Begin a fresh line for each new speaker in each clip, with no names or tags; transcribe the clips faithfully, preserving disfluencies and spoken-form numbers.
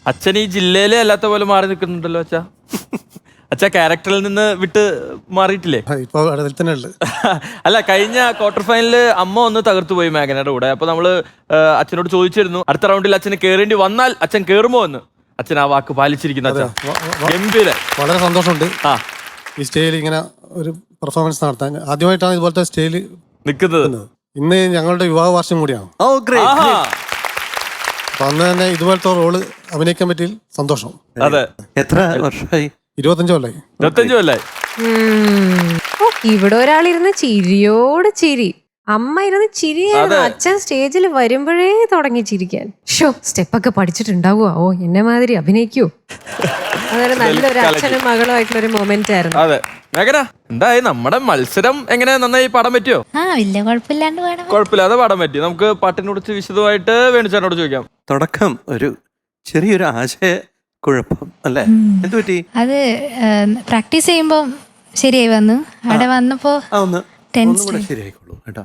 അച്ഛൻ ഈ ജില്ലയിലെ അല്ലാത്ത പോലെ മാറി നിൽക്കുന്നുണ്ടല്ലോ അച്ഛാ. അച്ഛാ ക്യാരക്ടറിൽ നിന്ന് വിട്ട് മാറിയിട്ടില്ലേ?
ഇപ്പൊ അതിൽ തന്നെ ഉള്ളത്.
അല്ല, കഴിഞ്ഞ ക്വാർട്ടർ ഫൈനലില് അമ്മ ഒന്ന് തകർത്തു പോയി മേഘനയുടെ കൂടെ. അപ്പൊ നമ്മള് അച്ഛനോട് ചോദിച്ചിരുന്നു അടുത്ത റൗണ്ടിൽ അച്ഛന് കേറേണ്ടി വന്നാൽ അച്ഛൻ കേറുമോ എന്ന്. അച്ഛൻ ആ വാക്ക് പാലിച്ചിരിക്കുന്നു. അച്ഛാ ഗംഭീര,
വളരെ സന്തോഷമുണ്ട്
ആ
ഈ സ്റ്റേജിൽ ഇങ്ങനെ ഒരു പെർഫോമൻസ് നടത്താൻ. ആദ്യമായിട്ടാണ് ഇതുപോലത്തെ സ്റ്റേജിൽ
നിൽക്കുന്നത്.
ഇന്ന് ഞങ്ങളുടെ വിവാഹ വാർഷികം കൂടിയാണ്. അപ്പൊ അന്ന് തന്നെ ഇതുപോലത്തെ റോള് അഭിനയിക്കാൻ പറ്റിയ സന്തോഷം.
അതെ.
എത്ര വർഷമായി?
ഇരുപത്തഞ്ചു കൊല്ലായി.
ഇരുപത്തഞ്ചു കൊല്ലായി.
ഇവിടെ ഒരാളിരുന്ന് ചിരിയോട് ചിരി, അമ്മ ഇരുന്ന് ചിരിയായിരുന്നു. അച്ഛൻ സ്റ്റേജിൽ വരുമ്പോഴേ തുടങ്ങി ചിരിക്കാൻ. ഷോ സ്റ്റെപ്പൊക്കെ പഠിച്ചിട്ടുണ്ടാവുക, ഓ എന്നെ മാതിരി അഭിനയിക്കൂ. അതൊരു നല്ലൊരു അച്ഛനും മകളും ആയിട്ടുള്ള ഒരു മൊമെന്റ് ആയിരുന്നു.
അതെ. മേഘന, എന്തായി നമ്മുടെ മത്സരം? എങ്ങനെ നന്നായി പാടാൻ പറ്റിയോ?
ആ വലിയ കുഴപ്പമില്ലാണ്ട് പാടാൻ
കുഴപ്പമില്ലാതെ പാടാൻ പറ്റി. നമുക്ക് പാട്ടിനെ കുറിച്ച് വിശദമായിട്ട് വേണുചാനോട് ചോദിക്കാം.
തുടക്കം ഒരു ചെറിയൊരു ആശയ കുഴപ്പം അല്ലേ? എന്ത് പറ്റി?
അത് പ്രാക്ടീസ് ചെയ്യുമ്പോ ശരിയായി വന്നു. അവിടെ വന്നപ്പോ
ആ ഒന്ന് ഒന്നും കൂടെ ശരിയായിക്കോളൂ കേട്ടോ.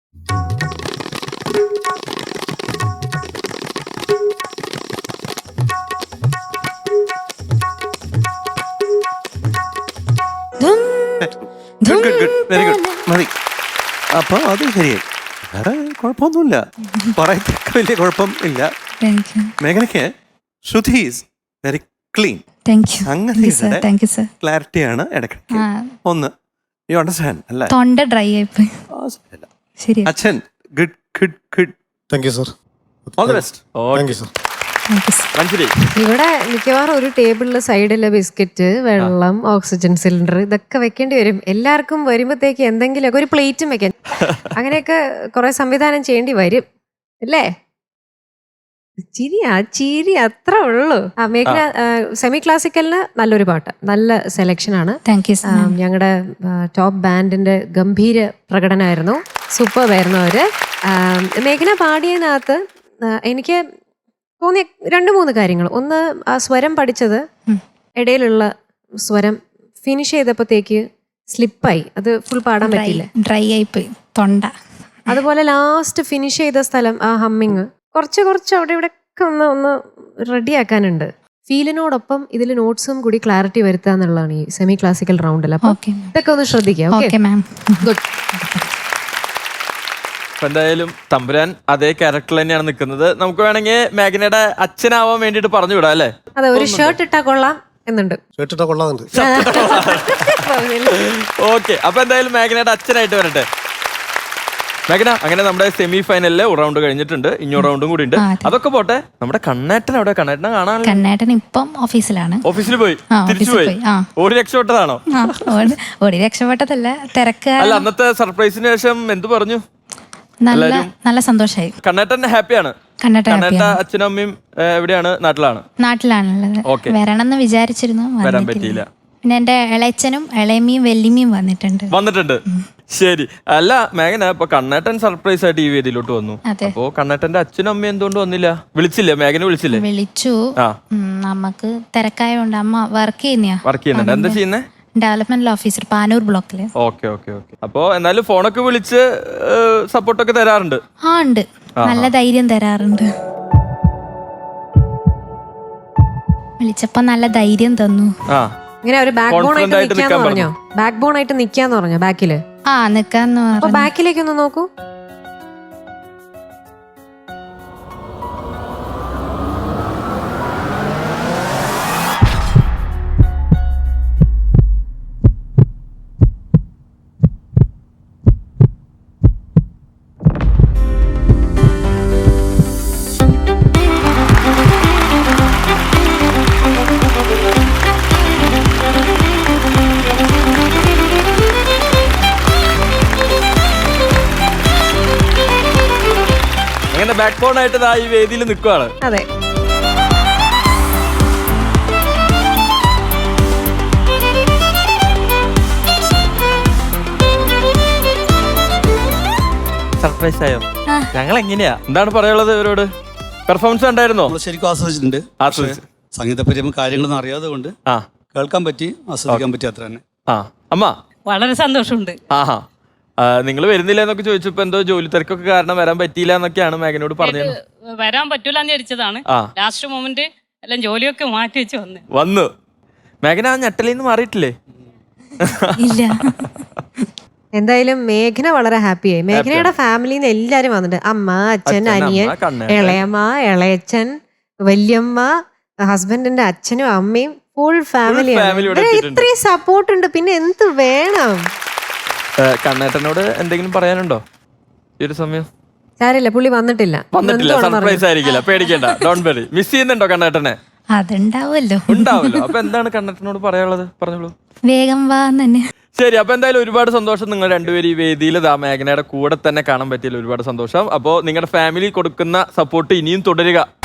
വെരി ഗുഡ്, മതി. അപ്പൊ അത് ശരിയായി, വേറെ കുഴപ്പമൊന്നുമില്ല, പറയത്തക്ക വലിയ കുഴപ്പം ഇല്ല. മേഘനയ്ക്ക് ശ്രുതി ഈസ് വെരി ക്ലീൻ. ക്ലാരിറ്റിയാണ് ഇടയ്ക്കിടയ്ക്ക് ഒന്ന്. യു അണ്ടർസ്റ്റാൻഡ് അല്ലേ?
തൊണ്ട ഡ്രൈ ആയിപ്പോയി. ശരി
അച്ഛൻ good good good.
Thank you sir.
All the best.
Thank you sir.
ഇവിടെ മിക്കവാറും ഒരു ടേബിളില് സൈഡില് ബിസ്ക്കറ്റ്, വെള്ളം, ഓക്സിജൻ സിലിണ്ടർ ഇതൊക്കെ വെക്കേണ്ടി വരും. എല്ലാവർക്കും വരുമ്പോഴത്തേക്ക് എന്തെങ്കിലുമൊക്കെ ഒരു പ്ലേറ്റും വെക്കാൻ, അങ്ങനെയൊക്കെ കുറെ സംവിധാനം ചെയ്യേണ്ടി വരും അല്ലേ? ചിരി ആ ചിരി അത്ര ഉള്ളു. ആ മേഘന സെമി ക്ലാസിക്കലിന് നല്ലൊരു പാട്ട്, നല്ല സെലക്ഷൻ ആണ്. ഞങ്ങളുടെ ടോപ്പ് ബാൻഡിന്റെ ഗംഭീര പ്രകടനമായിരുന്നു, സൂപ്പർ ആയിരുന്നു അവര്. മേഘന പാടിയതിനകത്ത് എനിക്ക് തോന്നിയ രണ്ട് മൂന്ന് കാര്യങ്ങൾ. ഒന്ന്, ആ സ്വരം പഠിച്ചത് ഇടയിലുള്ള സ്വരം ഫിനിഷ് ചെയ്തപ്പോഴത്തേക്ക് സ്ലിപ്പായി, അത് ഫുൾ പാടാൻ പറ്റില്ല,
ഡ്രൈ ആയിപ്പോയി തൊണ്ട.
അതുപോലെ ലാസ്റ്റ് ഫിനിഷ് ചെയ്ത സ്ഥലം ആ ഹമ്മിങ് കുറച്ച് കുറച്ച് അവിടെ ഇവിടെ ഒക്കെ ഒന്ന് ഒന്ന് റെഡിയാക്കാനുണ്ട്. ഫീലിനോടൊപ്പം ഇതിൽ നോട്ട്സും കൂടി ക്ലാരിറ്റി വരുത്തുക എന്നുള്ളതാണ് ഈ സെമി ക്ലാസിക്കൽ റൗണ്ടിൽ. അപ്പൊ ഇതൊക്കെ ഒന്ന് ശ്രദ്ധിക്കാം. ഗുഡ്.
എന്തായാലും തമ്പുരാൻ അതേ ക്യാരക്ടർ തന്നെയാണ് നിൽക്കുന്നത്. നമുക്ക് വേണമെങ്കിൽ മേഘനയുടെ അച്ഛനാവാൻ വേണ്ടിട്ട് പറഞ്ഞു വിടാം അല്ലേ?
അതെ, ഒരു ഷർട്ട് ഇട്ടാ കൊള്ളാം എന്നുണ്ട്.
ഷർട്ട് ഇട്ടാ കൊള്ളാറുണ്ട്.
ഓക്കെ, അപ്പൊ എന്തായാലും മേഘനയുടെ അച്ഛനായിട്ട് വരട്ടെ. മേഘന, അങ്ങനെ നമ്മുടെ സെമി ഫൈനലിലെ ഒരു റൗണ്ട് കഴിഞ്ഞിട്ടുണ്ട്, ഇഞ്ഞൊരു റൗണ്ടും കൂടി ഉണ്ട്. അതൊക്കെ പോട്ടെ, നമ്മുടെ കണ്ണേട്ടൻ അവിടെ, കണ്ണേട്ടനെ കാണാൻ.
കണ്ണേട്ടൻ ഇപ്പം ഓഫീസിലാണ്.
ഓഫീസിൽ പോയി തിരിച്ചു പോയി. ഓടി രക്ഷപ്പെട്ടതാണോ?
ഓടി രക്ഷപ്പെട്ടതല്ല, തിരക്ക്.
അല്ല, അന്നത്തെ സർപ്രൈസിന് ശേഷം എന്ത് പറഞ്ഞു?
നല്ല നല്ല സന്തോഷമായി.
കണ്ണേട്ടൻ ഹാപ്പിയാണ്. കണ്ണേട്ട അച്ഛനും അമ്മയും എവിടെയാണ്? നാട്ടിലാണ്.
നാട്ടിലാണുള്ളത്. വരണമെന്ന് വിചാരിച്ചിരുന്നു, വരാൻ പറ്റിയില്ല. പിന്നെ എന്റെ ഇളയച്ചനും ഇളയമ്മയും വെല്ലിമ്മയും വന്നിട്ടുണ്ട്
വന്നിട്ടുണ്ട് ശരി. അല്ല മേഘന, ഇപ്പൊ കണ്ണേട്ടൻ സർപ്രൈസ് ആയിട്ട് ഈ വേദിയിലോട്ട് വന്നു. അപ്പോ കണ്ണേട്ടന്റെ അച്ഛനും അമ്മയും എന്തുകൊണ്ട് വന്നില്ല? വിളിച്ചില്ലേ? മേഘന വിളിച്ചില്ലേ?
വിളിച്ചു. നമുക്ക് തിരക്കായോണ്ട് അമ്മ വർക്ക് ചെയ്യുന്ന
വർക്ക് ചെയ്യുന്നുണ്ട്. എന്താ ചെയ്യുന്നേ?
ഡെവലപ്മെന്റ് ഓഫീസർ, പാനൂർ ബ്ലോക്കില്.
Okay okay okay. അപ്പൊ എന്നാലും ഫോണൊക്കെ വിളിച്ച് സപ്പോർട്ടൊക്കെ തരാറുണ്ട്?
ആ ഉണ്ട്, നല്ല ധൈര്യം തരാറുണ്ട്. വിളിച്ചപ്പോ നല്ല ധൈര്യം തന്നു.
ആ,
ഇങ്ങനെ ഒരു ബാക്ക് ബോൺ ആയിട്ട് നിക്കാന്ന് പറഞ്ഞോ? ബാക്ക് ബോൺ ആയിട്ട് നിക്കാന്ന് പറഞ്ഞോ? ബാക്കില്
ആ നിക്കാന്ന് പറഞ്ഞു.
ബാക്കിലേക്ക് ഒന്ന് നോക്കൂ.
ബാക്ക് ബോൺ ആയിട്ട് ഈ വേദിയിൽ നിൽക്കുവാണ്.
അതെ.
സർപ്രൈസ് ആയോ? ഞങ്ങൾ എങ്ങനെയാ, എന്താണ് പറയാനുള്ളത് ഇവരോട്? പെർഫോമൻസ് ഉണ്ടായിരുന്നോ?
ശരിക്കും ആസ്വദിച്ചിട്ടുണ്ട്. സംഗീതപരമായ കാര്യങ്ങളൊന്നും അറിയാതെ കൊണ്ട് കേൾക്കാൻ പറ്റി, ആസ്വദിക്കാൻ പറ്റി, അത്ര തന്നെ.
ആ അമ്മ,
വളരെ സന്തോഷമുണ്ട്.
ആഹാ, നിങ്ങൾ വരുന്നില്ല എന്നൊക്കെ ചോദിച്ചപ്പോ എന്തോ ജോലി തിരക്കൊക്കെ കാരണം വരാൻ പറ്റിയില്ല എന്നൊക്കെയാണ് മേഘനോട് പറഞ്ഞത്.
വരാൻ പറ്റൂലെന്ന് വിചാരിച്ചതാണ്. ലാസ്റ്റ് മൊമെന്റ് എല്ലാം ജോലിയൊക്കെ മാറ്റി വെച്ച് വന്ന്
വന്നു. മേഘന ആ ഞെട്ടലിൽ നിന്ന് മാറിയിട്ടില്ലേ?
ഇല്ല.
എന്തായാലും മേഘന വളരെ ഹാപ്പിയായി. മേഘനയുടെ ഫാമിലിയിൽ നിന്ന് എല്ലാരും വന്നിട്ടുണ്ട്. അമ്മ, അച്ഛൻ,
അച്ഛൻ,
അനിയൻ,
അമ്മ, കണ്ണേട്ടൻ.
ഇളയമ്മ, ഇളയച്ചൻ, വല്യമ്മ, ഹസ്ബൻഡിന്റെ അച്ഛനും അമ്മയും ഫുൾ ഫാമിലിയാണ്.
family ഇവിടെ
ഇവരെ
എത്തിയിട്ടുണ്ട്.
ഇത്രയും സപ്പോർട്ട് ഉണ്ട്, പിന്നെ എന്ത് വേണം?
ഏഹ്, കണ്ണേട്ടനോട് എന്തെങ്കിലും പറയാനുണ്ടോ ഈ ഒരു സമയം?
സാരില്ല, പുള്ളി വന്നിട്ടില്ല.
വന്നിട്ടില്ല,
എന്തുവാണെന്ന്
സർപ്രൈസ് ആയിരിക്കില്ല, പേടിക്കണ്ട, ഡോണ്ട് വെറി. മിസ് ചെയ്യുന്നുണ്ടോ കണ്ണേട്ടനെ?
അതുണ്ടാവുമല്ലോ.
ഉണ്ടാവല്ലോ. അപ്പൊ എന്താണ് കണ്ണേട്ടനോട് പറയാനുള്ളത്? പറഞ്ഞോളൂ.
വേഗം വാ തന്നെ.
ശരി, അപ്പൊ എന്തായാലും ഒരുപാട് സന്തോഷം. നിങ്ങൾ രണ്ടുപേരും ഈ വേദിയിൽ ദാ മേഘനയുടെ കൂടെ തന്നെ കാണാൻ പറ്റിയല്ലോ, ഒരുപാട് സന്തോഷം. അപ്പോൾ നിങ്ങളുടെ ഫാമിലി കൊടുക്കുന്ന സപ്പോർട്ട് ഇനിയും തുടരുക.